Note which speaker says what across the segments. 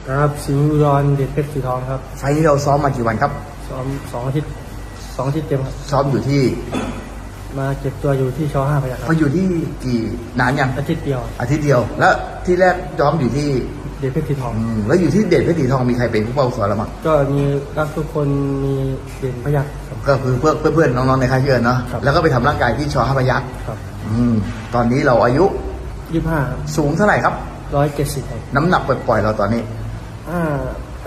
Speaker 1: ครับสิงห์อุดรเด็ดเพชรสีทองครับ
Speaker 2: ไฟล์นี้เราซ้อมมากี่วันครับ
Speaker 1: ซ้อม2 อาทิตย์เต็มครับ
Speaker 2: ซ้อมอยู่ที่
Speaker 1: มาเก็บตัวอยู่ที่ช.5 พยัคฆ์ครั
Speaker 2: เขาอยู่ที่กี่นานยัง
Speaker 1: อาทิตย์เดียว
Speaker 2: แล้วที่แรกซ้อมอยู่ที่
Speaker 1: เด็ดเพชรสีทอง
Speaker 2: แล้วอยู่ที่เด็ดเพชรสีทองมีใครเป็นผู้เป้าสอนเราบ้าง
Speaker 1: ก็มีรักทุกคนมีเด่นพยัคฆ์
Speaker 2: ก็คือเพื่อนน้องๆในค่ายเชื่อเนาะแล้วก็ไปทำร่างกายที่ช.5 พยัคฆ์
Speaker 1: ครับ
Speaker 2: ตอนนี้เราอายุ
Speaker 1: 25ครับ
Speaker 2: สูงเท่าไหร่ครับ
Speaker 1: 170ครับ
Speaker 2: น้ำหนักปล่อยๆเราตอนนี้
Speaker 1: ไป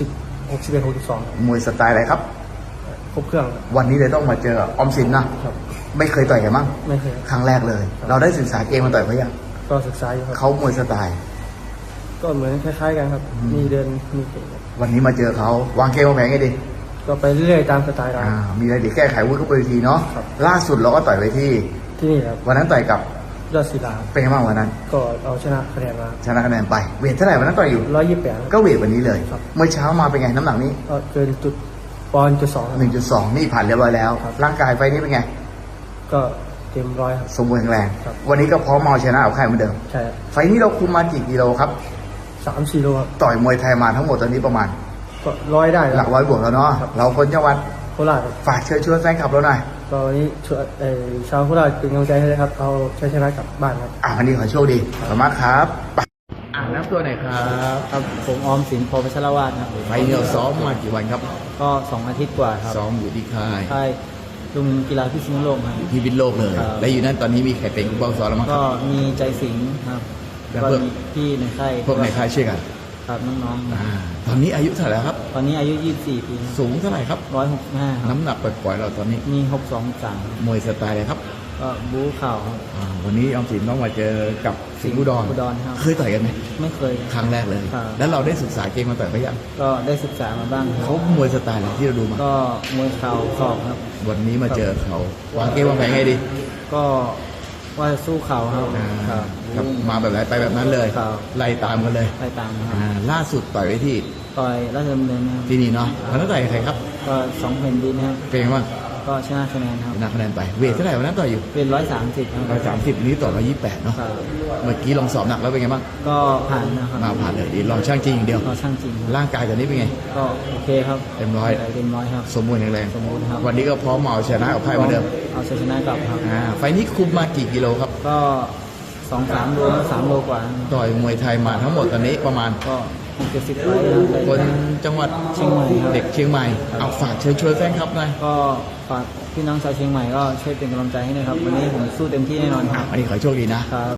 Speaker 1: 61 62
Speaker 2: มวยสไตล์อะไรครับ
Speaker 1: ครบเครื่อง
Speaker 2: วันนี้เลยต้องมาเจอออมสินนะครับไม่เคยต่อยกันมั้ง
Speaker 1: ไม่เคย
Speaker 2: ครั้งแรกเลยเราได้ศึกษาเกมมาต่อยเขายัง
Speaker 1: ก็ศึกษาอยู่ครับ
Speaker 2: เขามวยสไตล์
Speaker 1: ก็เหมือนคล้ายๆกันครับมีเดินมีเตะ
Speaker 2: วันนี้มาเจอเขาวางเกมวางแผนไงดี
Speaker 1: ก็ไปเรื่อยๆตามสไตล์เรา
Speaker 2: มีอะไรดีแก้ไขวุ้ยเข้าไปทีเนาะล่าสุดเราก็ต่อยไปที่
Speaker 1: นี่ครับ
Speaker 2: วันนั้นต่อยกับ
Speaker 1: ยอดศิลา
Speaker 2: เป็นไงบ้างวันนั้น
Speaker 1: ก็เอาชนะคะแนนมา
Speaker 2: ชนะคะแนนไปเวทเท่าไหร่วันนั้นต่อยอยู่
Speaker 1: 128
Speaker 2: ก็เวทวันนี้เลยเมื่อเช้ามาเป็นไงน้ำหนักนี้
Speaker 1: ก็เกินจุดปอนด์1.2
Speaker 2: นี่ผ่านเรียบร้อยแล้วร่างกายไฟนี้เป็นไง
Speaker 1: ก็เต็มร้อยครับ
Speaker 2: สมบูรณ์แข็งแรงวันนี้ก็พร้อมมาชนะเอาใครเหมือนเดิม
Speaker 1: ใช่
Speaker 2: ไฟนี้เราคุมมากี่กิโลครับ
Speaker 1: 3-4 โลครับ
Speaker 2: ต่อยมวยไทยมาทั้งหมดตอนนี้ประมาณ
Speaker 1: ก็100ได้
Speaker 2: หลัก100 บวกแล้วเนาะเราคนจังหวัด
Speaker 1: โคราช
Speaker 2: ฝากเชิญชวนแฟนคลับเราหน่อย
Speaker 1: ตอนนี้ชาวโคราชเป็นกำลังใจให้เลยครับเอาชัยชนะกลับบ้านครับ
Speaker 2: วันนี้ขอโชคดีขอบคุณมากครับน้ำตัวไหนครับ
Speaker 1: ผมออมสิน พพัชรวาทครับ
Speaker 2: ไฟนี้เราซ้อมมากี่วันครับ
Speaker 1: ก็2 อาทิตย์กว่าครับ
Speaker 2: ซ้อมอยู่ที่ค่าย
Speaker 1: ลุงกีฬาพิษณุโลกครับ
Speaker 2: ที่พิษณุโลกเลยและอยู่นั่นตอนนี้มีใครเป็นผู้ซ้อมแล้วมั้งครับ
Speaker 1: ก็มีใจสิงห์ครับแล้วก็พี่ในค่าย
Speaker 2: พวกในค่ายช่วยกัน
Speaker 1: ครับน้อง
Speaker 2: ๆตอนนี้อายุเท่าไหร่ครับ
Speaker 1: ตอนนี้อายุ24 ปี
Speaker 2: สูงเท่าไหร่ครับ
Speaker 1: 165
Speaker 2: น้ำหนักปล่อยๆเราตอนนี้
Speaker 1: มี62-63
Speaker 2: มวยสไตล์อะไรครับ
Speaker 1: ก็บู๊เข่า
Speaker 2: วันนี้ออมสินต้องมาเจอกับสิงห์อุดร
Speaker 1: ครับ
Speaker 2: เคยต่อยกันไหม
Speaker 1: ไม่เคย
Speaker 2: ครั้งแรกเลยแล้วเราได้ศึกษาเกมมาต่อยไปยัง
Speaker 1: ก็ได้ศึกษามาบ้าง
Speaker 2: เขามวยสไตล์อะไรที่เราดูมา
Speaker 1: ก็มวยเข่าศอกครับ
Speaker 2: วันนี้มาเจอเขาวางเกมวางแผนไงดี
Speaker 1: ก็ว่าจะสู้เข่า
Speaker 2: ครับมาแบบไหนไปแบบนั้นเลยไล่ตามกันเลยล่าสุดต่อยไว้ที่
Speaker 1: ต่อยราชดำเนิน
Speaker 2: ที่นี่เนาะวันนั้นต่อยใครครับ
Speaker 1: ก็2 แผ่นดินครับ
Speaker 2: เป็นไงบ้าง
Speaker 1: ก็ชนะคะแนนครับ
Speaker 2: ชนะคะแนนไปเวทเท่าไหร่วันนั้นต่อยอยู่
Speaker 1: เป็น130ครับ
Speaker 2: 130นี้ต่อ128เนาะเมื่อกี้ลองสอบหนักแล้วเป็นไงบ้าง
Speaker 1: ก็ผ่านนะครับ
Speaker 2: ผ่านเลยดีลองช่างจริงอย่างเดียว
Speaker 1: ช่างจริง
Speaker 2: ร่างกายตอนนี้เป็นไง
Speaker 1: ก็โอเคครับ
Speaker 2: เต็มร้อย
Speaker 1: ครับ
Speaker 2: สมบูรณ์แข็งแรง
Speaker 1: ครับ
Speaker 2: วันนี้ก็พร้อมเอาชนะเอาไพ่เหมือนเดิม
Speaker 1: เอาชนะกลับครับ
Speaker 2: ไฟนี้คุมมากี่กิโลครับ
Speaker 1: ก็2-3 โล3 โลกว่า
Speaker 2: ต่อยมวยไทยมาทั้งหมดตอนนี้ประมาณ
Speaker 1: ก็70 ปี
Speaker 2: คนจังหวัด
Speaker 1: เชียงใหม่
Speaker 2: เด็กเชียงใหม่เอาฝากเชิญชวนแฟนคลับหน่อย
Speaker 1: ก็ฝากพี่น้องชาวเชียงใหม่ก็ช่วยเป็นกำลังใจให้นะครับวันนี้ผมสู้เต็มที่แน่นอนครับ
Speaker 2: วันนี้ขอโชคดีนะครับ